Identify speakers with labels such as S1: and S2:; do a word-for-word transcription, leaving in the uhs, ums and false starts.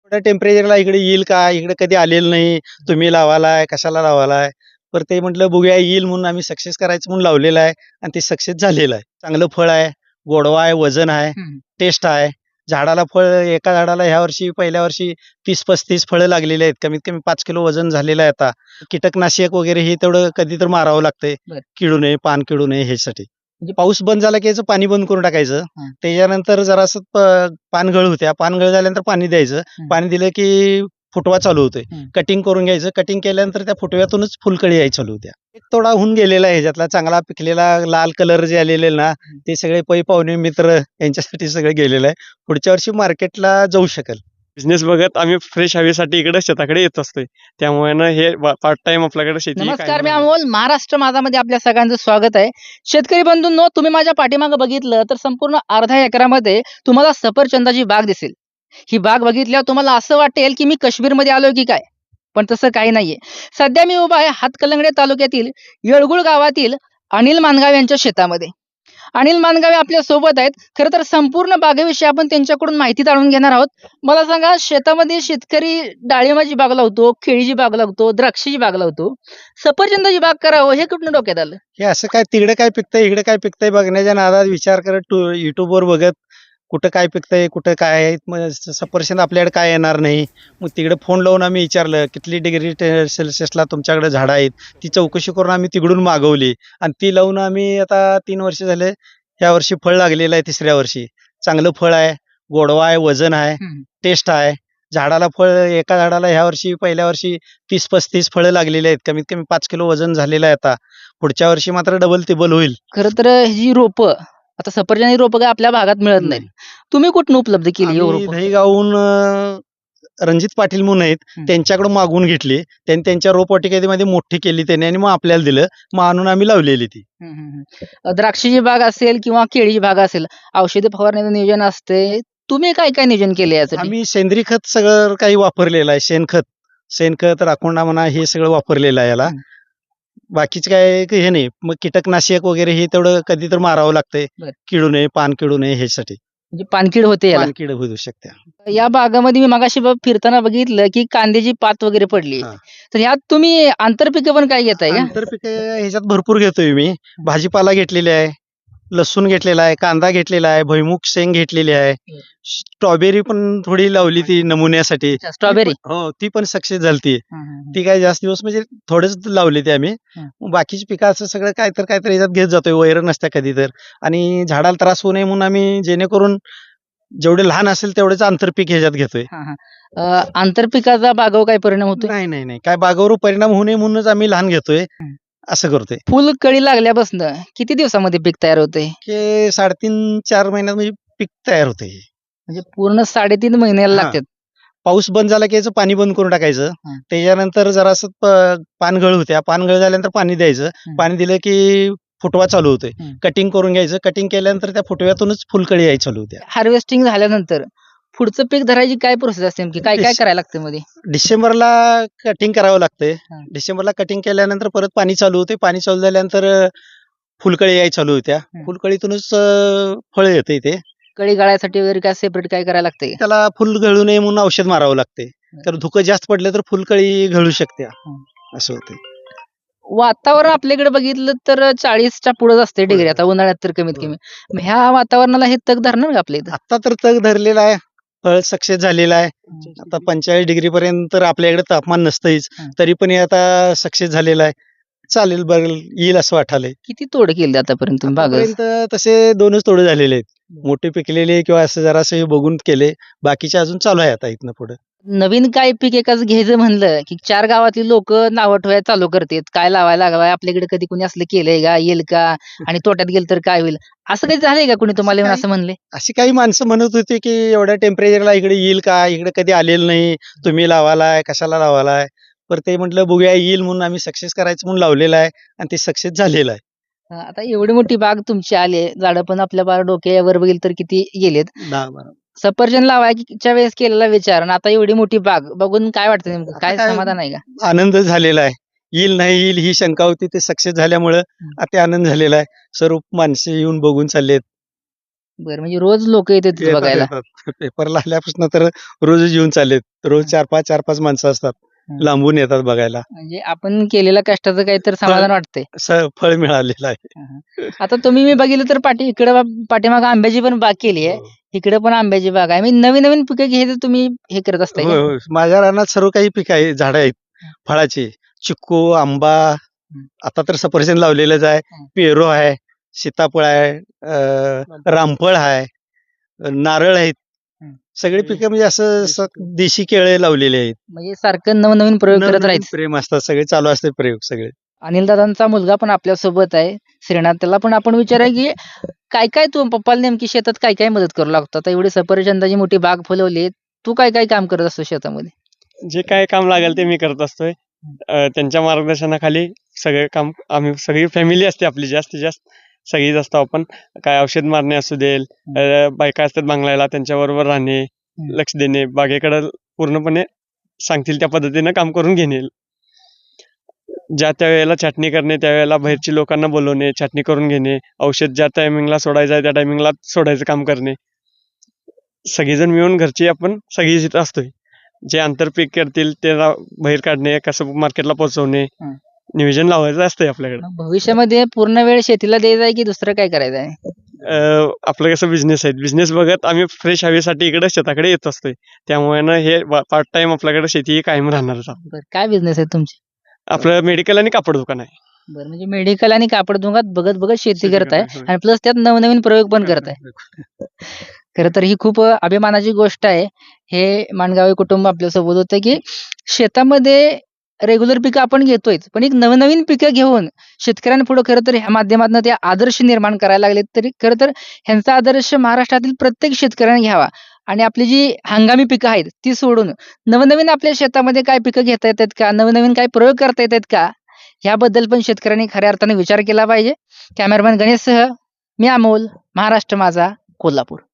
S1: एवढ्या टेम्परेचरला इकडे येईल का? इकडे कधी आलेलं नाही. तुम्ही लावालाय, कशाला लावालाय? पर ते म्हटलं बघूया येईल म्हणून आम्ही सक्सेस करायचं म्हणून लावलेलं आहे आणि ते सक्सेस झालेलं आहे. चांगलं फळ आहे, गोडवा आहे, वजन आहे,
S2: हं.
S1: टेस्ट आहे. झाडाला फळ एका झाडाला ह्या वर्षी पहिल्या वर्षी तीस पस्तीस फळं लागलेली आहेत. कमीत कमी पाच किलो वजन झालेलं आहे आता. कीटकनाशक वगैरे हे तेवढं कधी तर मारावं लागतंय.
S2: बरं.
S1: किडू नये, पान किडू नये ह्यासाठी.
S2: म्हणजे
S1: पाऊस बंद झाला की याचं पाणी बंद करून टाकायचं.
S2: हां.
S1: त्याच्यानंतर जरासं प पानगळ होत्या. पानगळ झाल्यानंतर पाणी द्यायचं.
S2: हं.
S1: पाणी दिलं की फुटवा चालू होतोय.
S2: हं.
S1: कटिंग करून घ्यायचं. कटिंग केल्यानंतर त्या फुटव्यातूनच फुलकळी यायला चालू होत्या. एक तोडा होऊन गेलेला आहे ह्याच्यातला चांगला पिकलेला लाल कलर जे आलेले ना
S2: हं.
S1: ते सगळे पै पाहुणे मित्र यांच्यासाठी सगळं गेलेलं आहे. पुढच्या वर्षी मार्केटला जाऊ शकेल.
S3: बिझनेस बघत आम्ही फ्रेश हवेसाठी इकडे शेताकडे येत असतोय. त्यामुळे ना हे पार्ट टाइम आपल्याकडे शेती ही
S2: नमस्कार,
S3: कायम
S2: मी
S3: राहणार.
S2: अमोल. महाराष्ट्र माझामध्ये आपल्या सगळ्यांचं स्वागत आहे. शेतकरी बंधूंनो, तुम्ही माझ्या पाठीमागे बघितलं तर संपूर्ण अर्ध्या एकरामध्ये तुम्हाला सफरचंदाची बाग दिसेल. ही बाग बघितल्यावर तुम्हाला असं वाटेल की मी काश्मीरमध्ये आलोय की काय, पण तसं काही नाहीये. सध्या मी उभा आहे हातकलंगडे तालुक्यातील येळगुळ गावातील अनिल मानगाव यांच्या शेतामध्ये. अनिल मानगावे आपल्या सोबत आहेत. खरं तर संपूर्ण बागेविषयी आपण त्यांच्याकडून माहिती जाणून घेणार आहोत. मला सांगा, शेतामध्ये शेतकरी डाळिंबाची बाग लावतो, केळीची बाग लावतो, द्राक्षाची बाग लावतो, सफरचंदाची बाग करावं हे कुठून डोक्यात आलं?
S1: हे असं काय तिकडे काय पिकतंय, इकडे काय पिकतंय बघण्याच्या नादात विचार करत टू युट्यूबवर बघत कुठं काय पिकतंय, कुठं काय आहे. मग स सफरचंद आपल्याकडे काय येणार नाही. मग तिकडे फोन लावून आम्ही विचारलं, किती डिग्री टे सेल्सिअसला तुमच्याकडे झाडं आहेत. ती चौकशी करून आम्ही तिकडून मागवली आणि ती लावून आम्ही आता तीन वर्ष झाले. ह्या वर्षी फळ लागलेलं आहे तिसऱ्या वर्षी. चांगलं फळ आहे, गोडवा आहे, वजन आहे,
S2: हं.
S1: टेस्ट आहे. झाडाला फळ एका झाडाला ह्या वर्षी पहिल्या वर्षी तीस पस्तीस फळं लागलेली आहेत. कमीत कमी पाच किलो वजन झालेलं आहे आता. पुढच्या वर्षी मात्र डबल तिबल होईल.
S2: खरं तर ही रोपं, आता सफरचंदाची रोपं काय आपल्या भागात मिळत नाहीत.
S1: नाही.
S2: तुम्ही कुठून उपलब्ध केली ही
S1: आम्ही
S2: रोपं?
S1: दहीगावहून अ, रणजित पाटील म्हणून आहेत.
S2: हं.
S1: त्यांच्याकडून मागवून घेतली. त्यांनी त्यांच्या रोपवाटिकेमध्ये मोठी केली त्यांनी आणि मग आपल्याला दिलं. मग आणून आम्ही लावलेली ती.
S2: हं, हं, हं. अ, द्राक्षाची बाग असेल किंवा केळीची बाग असेल, औषधी फवारणीचं नियोजन असते. तुम्ही काय काय नियोजन केले यासाठी?
S1: आम्ही सेंद्रिय खत सगळं काही वापरलेलं आहे. शेणखत, शेणखत, राखोंडा म्हणा हे सगळं वापरलेलं आहे याला.
S2: हं.
S1: बाकीचं काय हे नाही. मग कीटकनाशक वगैरे हे तेवढं कधी तर मारावं लागतंय.
S2: बरं.
S1: किडू नये, पान किडू नये ह्यासाठी.
S2: म्हणजे पानकीड होते याला.
S1: पानकीड होऊ शकते.
S2: या बागामध्ये मी मगाशी बघ फिरताना बघितलं की कांद्याची पात वगैरे पडली.
S1: हां.
S2: तर ह्यात तुम्ही आंतरपिकं पण काय घेताय का?
S1: आंतरपिके ह्याच्यात भरपूर घेतोय मी. भाजीपाला घेतलेली आहे, लसूण घेतलेला आहे, कांदा घेतलेला आहे, भुईमुग शेंग घेतलेली आहे.
S2: हं.
S1: स्ट्रॉबेरी पण थोडी लावली ती नमुन्यासाठी.
S2: अच्छा, स्ट्रॉबेरी.
S1: ती पण- हो, ती पण सक्सेस झालती.
S2: हं, हं, हं.
S1: ती काय जास्त दिवस म्हणजे थोडेच लावली ती आम्ही.
S2: हं.
S1: मग बाकीची पिकं असं सगळं काय तर काय तर ह्याच्यात घेत जातोय. वैरण नसत्या कधी तर. आणि झाडाला त्रास होऊ नये म्हणून आम्ही जेणेकरून जेवढे लहान असेल तेवढेच आंतरपीक ह्याच्यात घेतोय.
S2: हां, हां. अ, आंतरपिकाचा बागावर काय परिणाम होतोय?
S1: नाही, नाही, नाही. काय बागावर परिणाम होऊ नये म्हणूनच आम्ही लहान घेतोय.
S2: हं.
S1: असं करतोय.
S2: फुल कळी लागल्यापासून किती दिवसामध्ये पीक तयार होते?
S1: की साडेतीन चार महिन्यात म्हणजे पीक तयार होतंय हे.
S2: म्हणजे पूर्ण साडेतीन महिन्याला
S1: हां.
S2: लागतात.
S1: पाऊस बंद झाला की याचं पाणी बंद करून टाकायचं.
S2: हं.
S1: त्याच्यानंतर जरासं प पानगळ होत्या. पानगळ झाल्यानंतर पाणी द्यायचं.
S2: हं.
S1: पाणी दिलं की फुटवा चालू होतोय.
S2: हं.
S1: कटिंग करून घ्यायचं. कटिंग केल्यानंतर त्या फुटव्यातूनच फुलकळी यायला चालू होत्या.
S2: हार्वेस्टिंग झाल्यानंतर पुढचं पीक धरायची काय प्रोसेस असते नेमकी? काय काय
S1: डिस-
S2: करायला लागतं मध्ये?
S1: डिसेंबरला कटिंग करावं लागतंय.
S2: हं.
S1: डिसेंबरला कटिंग केल्यानंतर परत पाणी चालू होते. पाणी चालू झाल्यानंतर अ, फुलकळी यायला चालू होत्या.
S2: हं.
S1: फुलकळीतूनच अ, फळ येतंय ते.
S2: कळी गळायसाठी वगैरे काय सेपरेट काय करायला लागतंय?
S1: त्याला फुल गळू नये म्हणून औषध मारावं लागते. तर धुकं जास्त पडलं तर फुलकळी गळू शकते.
S2: हं.
S1: असं होते.
S2: वातावरण आपल्याकडे बघितलं तर चाळीसच्या पुढेच असते डिग्री, आता उन्हाळ्यात तर कमीत
S1: होय.
S2: कमी. मग ह्या वातावरणाला हे तग धरणार का आपल्या इथं?
S1: आता तर तग धरलेला आहे. फळ सक्सेस झालेला आहे. आता पंचेचाळीस डिग्री पर्यंत तर आपल्याकडे तापमान नसतंच.
S2: हं.
S1: तरी पण हे आता सक्सेस झालेलं आहे. चालेल बरं येईल असं वाटायलंय.
S2: किती तोड केली आतापर्यंत तुम्ही बागात?
S1: आतापर्यंत तसे दोनच तोडे झालेले आहेत. मोठे पिकलेले किंवा असं जरासं हे बघून केले. बाकीचे अजून चालू आहे आता इथनं पुढे.
S2: नवीन काय पीक एकाच घ्यायचं म्हणलं की चार गावातली लोक नावं ठेवायला चालू करतात. काय लावायला लागावं, आपल्याकडे कधी कोणी असलं केलंय का, येईल का, आणि तोट्यात गेलं तर काय होईल, असं काही झालंय का कोणी तुम्हाला येऊन
S1: काही-
S2: असं म्हणले?
S1: अशी काही माणसं म्हणत होती की एवढ्या टेम्परेचरला इकडे येईल का? इकडे कधी आलेलं नाही. तुम्ही लावालाय, कशाला लावालाय? पर ते म्हटलं बघूया येईल म्हणून आम्ही सक्सेस करायचं म्हणून लावलेलं आहे आणि ते सक्सेस झालेलं आहे.
S2: अं, आता एवढी मोठी बाग तुमची आली आहे, झाडं पण आपल्या बार डोक्यावर बघील तर किती गेलेत.
S1: दहा बारा.
S2: सफरचंद लावायच्या वेळेस केलेला विचार आणि आता एवढी मोठी बाग बघून काय वाटतं नेमकं?
S1: आता
S2: काय
S1: काय-
S2: समाधान आहे का?
S1: आनंद झालेला आहे. येईल नाही येईल ही शंका होती ते सक्सेस झाल्यामुळं
S2: हं.
S1: अति आनंद झालेला आहे. सर्व माणसे येऊन बघून चाललेत.
S2: बरं, म्हणजे रोज लोक येतात तिथे
S1: येतात
S2: बघायला.
S1: येतात पेपरला आल्यापासून तर रोजच येऊन चाललेत रोज चार पाच चार पाच माणसं असतात
S2: हं.
S1: लांबून येतात बघायला
S2: म्हणजे आपण केलेल्या कष्टाचं काहीतरी समाधान वाटतंय.
S1: स- फळ मिळालेलं आहे.
S2: हं, हं. आता तुम्ही मी बघितलं तर पाठी इकडे पाठीमागं आंब्याची पण बाग केली आहे.
S1: हो.
S2: इकडे पण आंब्याची बाग आहे. मी नवीन नवीन पिकं घ्यायचं तुम्ही हे करत असताय
S1: होय
S2: का?
S1: होय माझ्या रानात सर्व काही पीक आहे झाडं आहेत
S2: हं.
S1: फळाची चिक्कू आंबा
S2: हं.
S1: आता तर सफरचंद लावलेलंच आहे
S2: हं.
S1: पेरू आहे सीताफळ आहे अं, रामफळ आहे नारळ आहेत
S2: हं.
S1: सगळी पिकं म्हणजे असं स- देशी केळे लावलेले आहेत
S2: म्हणजे सारखं नवनवीन प्रयोग करत
S1: नवनवीन
S2: राहायचं.
S1: प्रेम असतात सगळे चालू असते प्रयोग सगळे
S2: अनिल दादांचा मुलगा पण आपल्या सोबत आहे श्रीनाथ. त्याला पण आपण विचारूया की काय काय तू पप्पाला नेमकी शेतात काय काय मदत करू लागतो? आता एवढी सफरचंदाची मोठी बाग फुलवली, तू काय काय काम करत असतो शेतामध्ये?
S3: जे काय काम लागेल ते मी करत असतोय अं, त्यांच्या मार्गदर्शनाखाली सगळे काम आम्ही सगळी फॅमिली असते आपली जास्तीत जास्त सगळीच असतो आपण काय औषध मारणे असू देल अं, बायका असतात बांगलायला त्यांच्याबरोबर राहणे लक्ष देणे बागेकडे पूर्णपणे सांगतील त्या पद्धतीनं काम करून घेणे ज्या त्या वेळेला छाटणी करणे त्यावेळेला बाहेरची लोकांना बोलवणे छाटणी करून घेणे औषध ज्या टायमिंगला सोडायचं आहे त्या टायमिंगला सोडायचं काम करणे सगळेजण मिळून घरची आपण सगळी इथं असतोय जे आंतरपीक करतील त्याला बाहेर काढणे कसं मार्केटला पोहोचवणे
S2: हं.
S3: नियोजन लावायचं असतंय आपल्याकडे
S2: मग भविष्यामध्ये पूर्ण वेळ शेतीला द्यायचा आहे की दुसरं काय करायचं आहे?
S3: अं, आपलं कसं बिझनेस आहे बिझनेस बघत आम्ही फ्रेश हवेसाठी इकडे शेताकडे येत असतोय त्यामुळे ना हे पार्ट टाइम आपल्याकडे शेती ही कायम राहणारच आहे.
S2: बरं, काय बिझनेस आहे तुमची?
S3: आपलं मेडिकल आणि कापड दुकान आहे
S2: बरं, म्हणजे मेडिकल आणि कापड दुकानात बघत बघत शेती
S3: शेती
S2: करताय
S3: करताय, होय.
S2: आणि प्लस त्यात नवनवीन प्रयोग पण करताय. खरं तर ही खूप अ, अभिमानाची गोष्ट आहे. हे माणगावे कुटुंब आपल्यासोबत होतं की शेतामध्ये रेग्युलर पिकं आपण घेतोयच, पण एक नवनवीन पिकं घेऊन शेतकऱ्यांपुढे खरं तर ह्या माध्यमातून ते आदर्श निर्माण करायला लागले. तरी खरं तर ह्यांचा आदर्श महाराष्ट्रातील प्रत्येक शेतकऱ्याने घ्यावा आणि आपली जी हंगामी पिकं आहेत ती सोडून नवनवीन आपल्या शेतामध्ये काय पिकं घेता येतात का? नवनवीन काय प्रयोग करता येतात का? ह्याबद्दल पण शेतकऱ्यांनी खऱ्या अर्थाने विचार केला पाहिजे. कॅमेरामॅन गणेशसह मी अमोल, महाराष्ट्र माझा, कोल्हापूर.